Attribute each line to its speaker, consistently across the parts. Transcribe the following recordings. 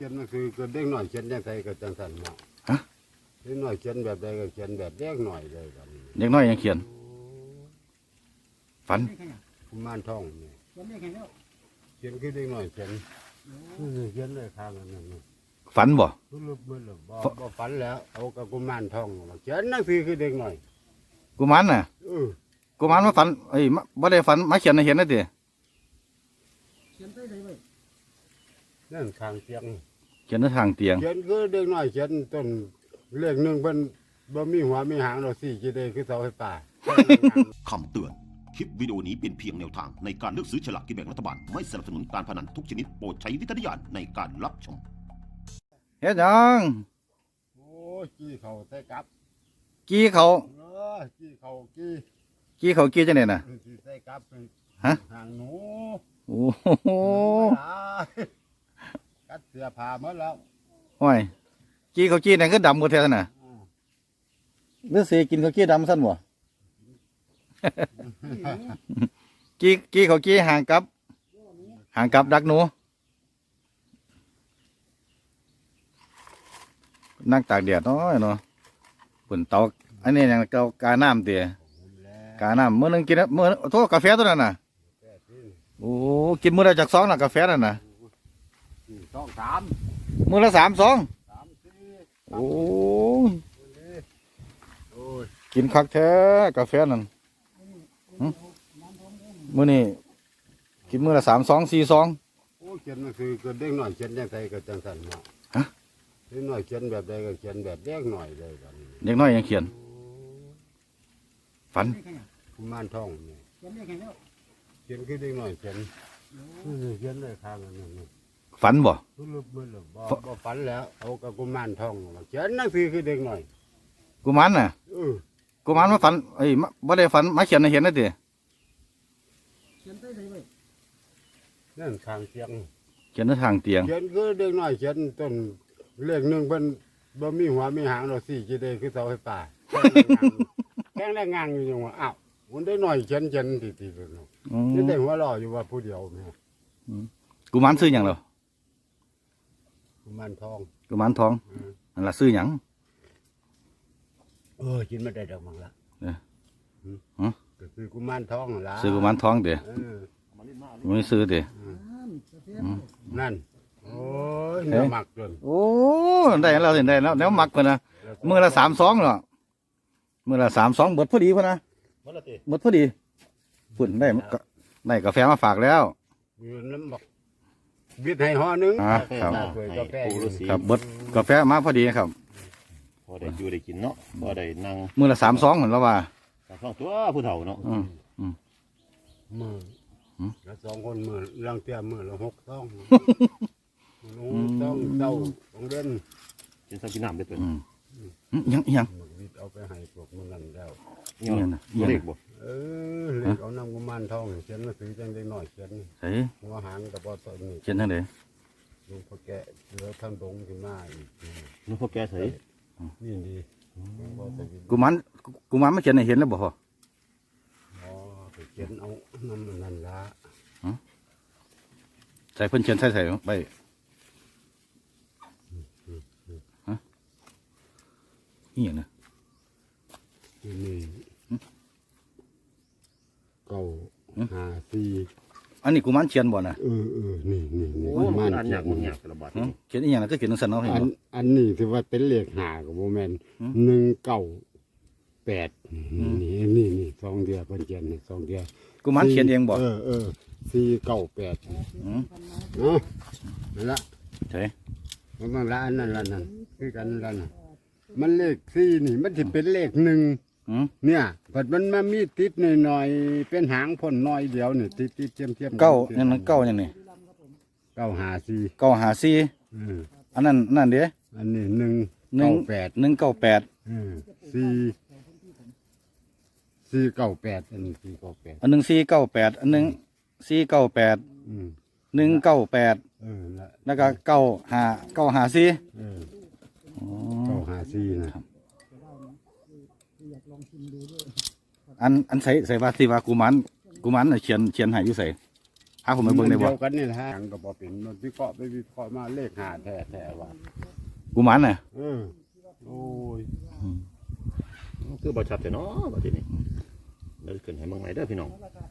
Speaker 1: ขียนมันคือก็เด็กหน่อยเขียนยังไงก็จังสันเนาะ
Speaker 2: ฮะ
Speaker 1: เด็กหน่อยเขียนแบบใดก็เขียนแบบเด็กหน่อยเลยกัน
Speaker 2: เด็กน้อยยังเขียนฝัน
Speaker 1: กุมารทองเนี่ย
Speaker 3: เขียนได้แค่แล้ว
Speaker 1: เขียนคือเด็กหน่อยเขียนเขียนเลยข้างนั้นน่ะ
Speaker 2: ฝันบ่
Speaker 1: รู้ลึกเบิ่งบ่ฝันแล้วเอากับกุมารทองมาเขียนหนังสือคือเด็กหน่อย
Speaker 2: กุมารน่ะ
Speaker 1: เออ
Speaker 2: กุมารมาฝันบ่ได้ฝันมาเขียนให้เห็นนะติ
Speaker 3: เขียนได้เลยเว้ย
Speaker 1: นั่นข้างเตียง
Speaker 2: เขียนในทางเตียง
Speaker 1: เขียนคือเด็กหน่อยเขียนต้นเลขหนึ่งเป็นบ่มีหัวมีหางเราสี่จีเดคือเสาไฟฟ้า
Speaker 4: คำเตือน คลิปวิดีโอนี้เป็นเพียงแนวทางในการเลือกซื้อฉลากกินแบ่งรัฐบาล ไม่สนับสนุนการพนันทุกชนิดโปรดใช้วิจารณญาณในการรับชม
Speaker 2: เฮ็ดหยัง
Speaker 1: โอ้จี้เขาใส่กับ
Speaker 2: กี้เขา
Speaker 1: จี้เขาจี้
Speaker 2: กี้เขากี้จังได๋น่ะ
Speaker 1: สิใส่กับ
Speaker 2: ฮะ
Speaker 1: หางหนู
Speaker 2: โอ้โห
Speaker 1: กัดเสื้อผ้าหมดแล้ว
Speaker 2: โอ้ยกี้เขากี้นั่นคือดำหมดแท้น่ะหรือสิกินเขากี้ดำซั่นบ่กี้เขากี้ห่างกับดักหนูนั่งตากแดดน้อยเนาะปุ่นเตาอันนี้ยังเตากาน้ำเตี๋ยกาน้ำมื้อนึงกินมื้อโทษกาแฟตัวนั้นน่ะโอ้กินมื้อละจาก2น่ะกาแฟนั่นน่ะ
Speaker 1: สองสาม
Speaker 2: มื้อละ3 2
Speaker 1: สามสี่
Speaker 2: โอ้ย
Speaker 1: โอ้ย
Speaker 2: กินคักแท้กาแฟนั่นมื้อนี้กินมื้อละ3 2 4 2
Speaker 1: โอ้เขียนมันคือก็เด็กหน่อยเขียนยังไงก็จังสันเนาะ
Speaker 2: ฮะ
Speaker 1: เด็กหน่อยเขียนแบบใดก็เขียนแบบเด็กหน่อยเลยกัน
Speaker 2: เด็กน้อยยังเขียนฝัน
Speaker 3: ได้แค่ไหน
Speaker 1: กุมารทองเนี่ย
Speaker 3: เขียนได้แค่แล้ว
Speaker 1: เขียนคือเด็กหน่อยเขียนเขียนเลยข้างนั้นน่ะ
Speaker 2: ฝันบ่
Speaker 1: รู้ลึกเบิ่งบ่ฝันแล้วเอากับกุมารทองมาเขียนหนังสือคือเด็กหน่อย
Speaker 2: กุมารน่ะ
Speaker 1: เออ
Speaker 2: กุมารมาฝันบ่ได้ฝันมาเขียนให้เห็นนะติ
Speaker 3: เขียนได้เลยเว้ย
Speaker 1: นั่นข้างเตียง
Speaker 2: เขียนในทางเตียง
Speaker 1: เขียนคือเด็กหน่อยเขียนต้นเลขหนึ่งเป็นบ่มีหัวมีหางเราสี่จีเดคือเสาไฟฟ้าแข้งแรงงานอยู่จังหวะอ้าวมันได้หน่อยเขียนติดๆเนาะ
Speaker 2: อืม
Speaker 1: นี่ได้หัวเราะอยู่ว่าผู้เดียวแม่
Speaker 2: กุมารซื้อหยังเหรอ
Speaker 1: กุมารทอง
Speaker 2: กุมารทองนั่นล่ะซื้อหยัง
Speaker 1: กินไม่ได้ดอกมังละ
Speaker 2: เออ
Speaker 1: หืมก็คือกุมารทองนั่นล่ะ
Speaker 2: ซื้อกุมารทองเด้
Speaker 1: เออ
Speaker 2: บ่ซื้อเด้
Speaker 3: กาแฟ
Speaker 1: นั่นโอ้ยเนื้อหมักจน
Speaker 2: โอ้ได้แล้วสิได้แล้วแล้วมักเพิ่นน่ะมื้อละ32เนาะมื้อละ32เบิดพอดีพุ่นน่ะเบิดพอดีพุ่นได้กาแฟมาฝากแล้ว
Speaker 1: อยู่น้ำบอกบิดให้ห่อหนึง
Speaker 2: ครับ
Speaker 1: ถ้วยกาแฟอยู่นี่
Speaker 2: ครับเบิดกาแฟมาพอดีครับ
Speaker 5: พอได้อยู่ได้กินเนาะพอได้นั่ง
Speaker 2: มื้อละ32เหมือนแล้วว่า
Speaker 5: กับท้องตัวผู้เฒ่าเนาะ
Speaker 2: อืม
Speaker 1: มือ
Speaker 2: หืม
Speaker 1: แล้วสองคนมือลังเตียมือละ6 ต้องต้องเต้าของเด่น
Speaker 5: กินข้าวกินน้ำได้ตัว
Speaker 2: อืมยัง
Speaker 1: มือบิดเอาไปให้พวกมันนั่นแล้ว
Speaker 5: เนาะ
Speaker 2: น่ะ
Speaker 5: เล็กบ่
Speaker 1: เล็กเอาน้ำกุมารทองเขียนหนังสือจังได้หน่อยเขียน
Speaker 2: เฮ้ย
Speaker 1: หัวหางกับปอตอนนี้
Speaker 2: เขียนจังได๋
Speaker 1: ลุงพ่อแกะเหลือทั้งดงขึ้นมาอีก
Speaker 5: นึกพวกแกใส่
Speaker 1: นี่ดีบ่ใส่บิด
Speaker 2: กุมารมาเขียนให้เห็นแล้วบ่พ่อ
Speaker 1: อ๋อไปเขียนเอาน้ำมันนั่นละ
Speaker 2: ใส่เพิ่นเขียนใส่ไปฮะนี่หยังน่ะ
Speaker 1: ที่นี่เก้าห้าสี่
Speaker 2: อันนี้กุมารเขียนบ่น่ะ
Speaker 1: นี่
Speaker 5: โอ้
Speaker 1: กุ
Speaker 5: มั
Speaker 1: มาน ร
Speaker 5: อัน
Speaker 1: เขี
Speaker 5: ยาย ก
Speaker 1: น
Speaker 5: มันยากกระบาด
Speaker 2: เขียนอีหยังน่ะก็เขียนจังซั่นเนาะเห็นบ่
Speaker 1: อันนี้ถือว่าเป็นเลขหากับโบแมน
Speaker 2: หืม
Speaker 1: 198นี่สองเดียวเป็นเขียนนี่สองเดียว
Speaker 2: กุมารเขียนเองบ่
Speaker 1: 498
Speaker 2: อืม
Speaker 1: เนาะนั่นละ
Speaker 2: ใช่
Speaker 1: มันละอันนั้นละนั่นคือกันละน่ะมันเลข4นี่มันสิเป็นเลข1
Speaker 2: อืม
Speaker 1: เนี่ยบัดมันมามีติดหน่อยๆเป็นหางพ่นน้อยเดียวนี่ติดเทียมๆ
Speaker 2: เก้านั่นมันเก้าอย่างนี้
Speaker 1: 954
Speaker 2: 954
Speaker 1: อืม
Speaker 2: อันนั้นนั่นเด้
Speaker 1: อันนี้198
Speaker 2: 198
Speaker 1: 498อันนี้498
Speaker 2: อันหนึง498อันหนึง498
Speaker 1: อืม
Speaker 2: 198
Speaker 1: ละ
Speaker 2: แล้วก็954
Speaker 1: เออ
Speaker 2: อ๋อ
Speaker 1: 954นะ
Speaker 2: อันใส่ว่าที่ว่ากุมารน่ะเขียนให้อยู่ไสผมไปเบิ่งได้บ่
Speaker 1: เดียวกันนี่แหละหยังก็บ่เป็นมันวิเคราะห์ไปวิเคราะห์มาเลข5แท้ๆว่า
Speaker 2: กุมารน่ะ
Speaker 1: โอ้ย
Speaker 5: คือบ่ชัดแต่เนาะบัดนี้เดี๋ยวขึ้นให้เบิ่งใหม่เด้อพี่น้อง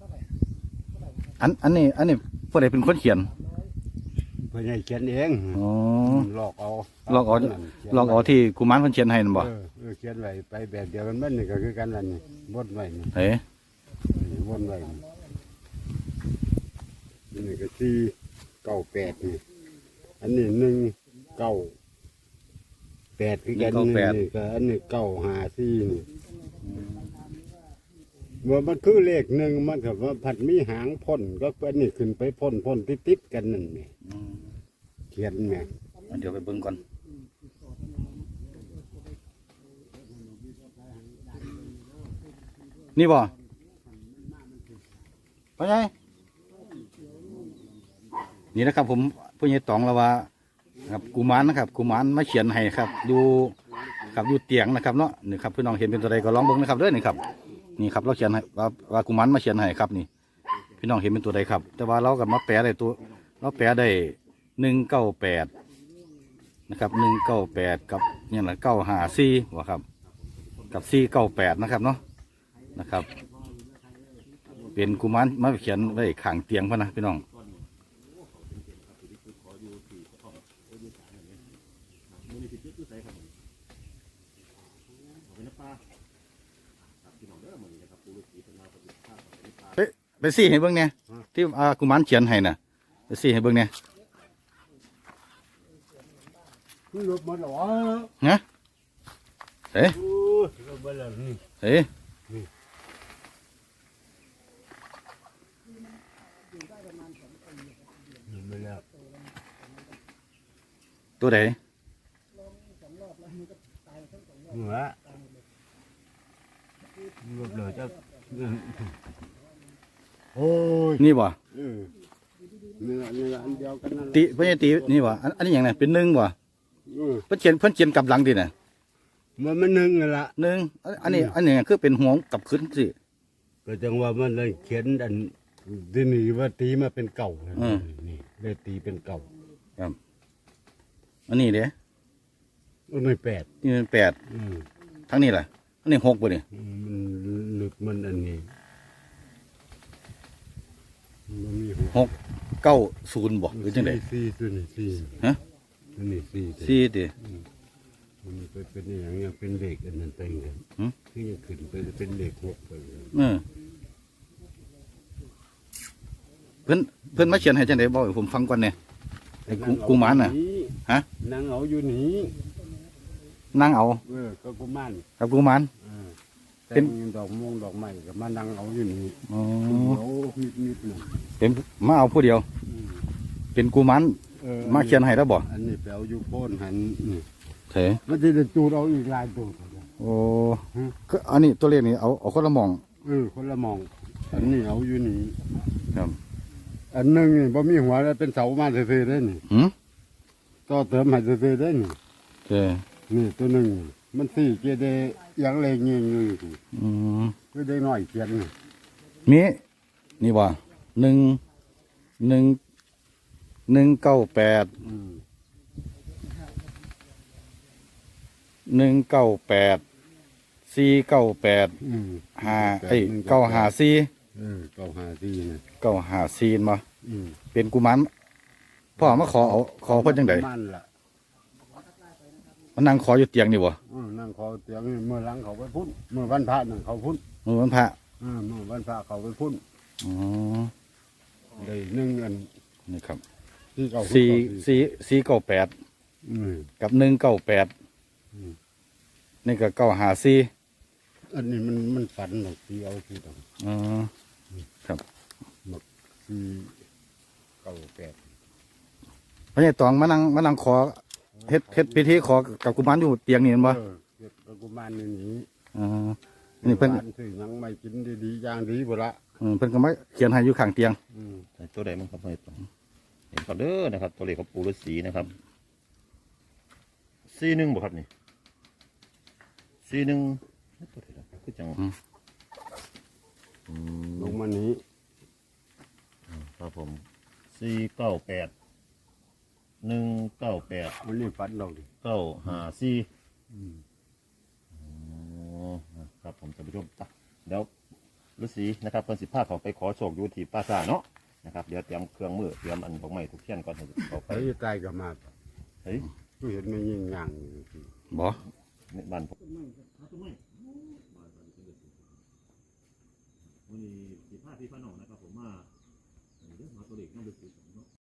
Speaker 2: อันนี้ผู้ใดเป็นคนเขียน
Speaker 1: เพิ่นให้เขียนเอง
Speaker 2: อ๋อ
Speaker 1: หลอกเอา
Speaker 2: ลอกเอาที่กุมารเพิ่นเขียนให้นั่นบ่
Speaker 1: เขียนไว้ไปแบบเดียวกันมันนี่ก็คือกันนั่นนี่วนไว้นี่
Speaker 2: เฮ้ย
Speaker 1: วนไว้นี่ก็498นี่อันนี้198คือกันนี่ก็อันนี้954นี่ว่ามันคือเลขหนึ่งมันก็ว่าผัดมีหางพ่นก็อันนี้ขึ้นไปพ่นติดๆกันนั่นนี่เขียนแม่
Speaker 2: เดี๋ยวไปเบิ่งก่อนนี่บ่พ่อใหญ่นี่นะครับผมผู้ใหญ่ตองแล้วว่าครับกุมารนะครับกุมารมาเขียนให้ครับอยู่เตียงนะครับเนาะนี่ครับพี่น้องเห็นเป็นตัวใดก็ลองเบิ่งนะครับเด้อนี่ครับนี่ครับเราเขียนให้ว่ากุมารมาเขียนให้ครับนี่พี่น้องเห็นเป็นตัวใดครับ แต่ว่าเราก็มาแปลได้ตัวเราแปลได้198นะครับ198กับเนี่ยนะ954ว่าครับกับ498นะครับเนาะนะครับเป็นกุมารมาเขียนไว้ข้างเตียงพ่อนะพี่น้องไปซี่ให้เบิ่งเนี่ยที่กุมารเขียนให้น่ะไปซี่ให้เบิ่งเนี่ย
Speaker 1: คือรถมันหรอ
Speaker 2: นะเฮ้ย
Speaker 1: รถมันหรอนี่
Speaker 2: เฮ้ย
Speaker 1: ไม่แล้ว
Speaker 2: ตัวไหน
Speaker 1: หัวรถเลยจะโอ้ย
Speaker 2: นี่บ่
Speaker 1: เนื้ออันเดียวกันนั่น
Speaker 2: ตีเพิ่นจะตีนี่บ่อันนี้หยังไงเป็นหนึ่งบ่เพิ่นเขียนกลับหลังดิน่ะ
Speaker 1: มันหนึ่งนั่นละ
Speaker 2: หนึ่งอันนี้คือเป็นหัวกลับขึ้นสิ
Speaker 1: ก็จังว่ามันเลยเขียนอันที่นี่ว่าตีมาเป็นเก่านี่เลยตีเป็นเก่า
Speaker 2: ครับอันนี้เด้
Speaker 1: ไม่แปด
Speaker 2: นี่เป็น8ทั้งนี้ล่ะอันนี้6บ่นี่
Speaker 1: มันลึกมันอันนี้มันมี
Speaker 2: 690บ่หรือจังได๋
Speaker 1: สี่ตัวนี้สี่
Speaker 2: ฮะ
Speaker 1: ตัวนี้สี่
Speaker 2: 4ติ
Speaker 1: มันเป็นอย่างเงี้ยเป็นเหล็กอันนั้นไปเลยที่ยังขึ้นไปเป็นเหล็กหกไปเลย
Speaker 2: เพิ่นมาเขียนให้จังได๋บ่ให้ผมฟังก่อนแหน่ไอ้กุมารน่ะฮะ
Speaker 1: นางเอาอยู่นี่
Speaker 2: นั่งเอา
Speaker 1: ก็กุมาร
Speaker 2: กับกุมาร
Speaker 1: เป็นดอกม่วงดอกไม้ก็มานั่งเอาอยู่นี่
Speaker 2: อ๋อ
Speaker 1: เอานิดหนึ่ง
Speaker 2: เป็นมาเอาผู้เดียว เป็นกุมารมาเขียนให้แล้วบ่
Speaker 1: อันนี้ไปเอาอยู่โพ้นหันนี่
Speaker 2: เถอะ
Speaker 1: มันจะจูดเอาอีกลายตัว
Speaker 2: โอ้ก็อันนี้ตัวเลขนี้เอาคนละหมอง
Speaker 1: คนละมอง อันนี้เอาอยู่นี่
Speaker 2: ครับ
Speaker 1: อันหนึงนี่บ่มีหัวแล้วเป็นเสามาซื่อๆได้นี่
Speaker 2: หืม
Speaker 1: ต่อเติมให้ซื่อๆได้นี่
Speaker 2: เถอะ
Speaker 1: นี่ตัวหนึงมันสี่เกเดยังเลงเงี้ยนี่
Speaker 2: อืม
Speaker 1: คือได้น้อยเขียนนี่
Speaker 2: มีนี่บ่1 198 198 498 954
Speaker 1: 954นี่
Speaker 2: 954มาเป็นกุมารพ่อมาขอเพิ่นจังได๋
Speaker 1: มันล่ะ
Speaker 2: มานั่งขออยู่เตียงนี่บ่
Speaker 1: นั่งขอเตียงนี่เมื่อหลังเขาไปพุ่นเมื่อวันพระนั่นเขาพุ่น
Speaker 2: มื้อวันพระ
Speaker 1: เมื่อวันพระเขาไปพุ่น
Speaker 2: อ๋อ
Speaker 1: ได้หนึ่งอัน
Speaker 2: นี่ครับ
Speaker 1: ที่เขา
Speaker 2: 498กับ198นี่ก็954
Speaker 1: อันนี้มันฝันหรอกที่เอาที่ต้อง
Speaker 2: อ๋อครับ
Speaker 1: ที่98
Speaker 2: พระใหญ่ตองมานั่งขอเฮ็ดพิธีขอกับกุมารอยู่เตียงนี่แม่นบ่
Speaker 1: เก็บกุมารนี่หนี
Speaker 2: อ๋อนี่เพิ่น
Speaker 1: บ้าซื้อหยังไม่กินดีๆอย่างดีบ่ละ
Speaker 2: เพิ่นก็มาเขียนให้อยู่ข้างเตียง
Speaker 5: ตัวใดมันครับให้ต่อเห็นครับเด้อนะครับ ตัวเลขของปู่ฤาษีนะครับ41บ่ครับนี่41ตัวใดล่ะคือจัง
Speaker 1: ลงมานี้
Speaker 5: ครับผม
Speaker 1: วันนี้ฝันเราดิ
Speaker 5: 954
Speaker 1: อืม
Speaker 5: อ๋อครับผมท่านผู้ชมจ้ะเดี๋ยวฤาษีนะครับเพิ่นสิพาเขาไปขอโชคอยู่ที่ปราสาทเนาะนะครับเดี๋ยวเตรียมเครื่องมือเตรียมอันดอกไม้ทุกเทียนก่อนให้เขาไป
Speaker 1: ไปตายก็มา
Speaker 5: เฮ้ย
Speaker 1: กูเห็นไม่ยิ่งย่างอยู่ที่
Speaker 2: บ่
Speaker 5: ในบ้านผม
Speaker 3: ต้นไม้ครับ
Speaker 5: ต้นไม้วันนี้สิพาพี่พาน้องนะครับผมมาเรื่องมาตัวเด็กน้องฤาษี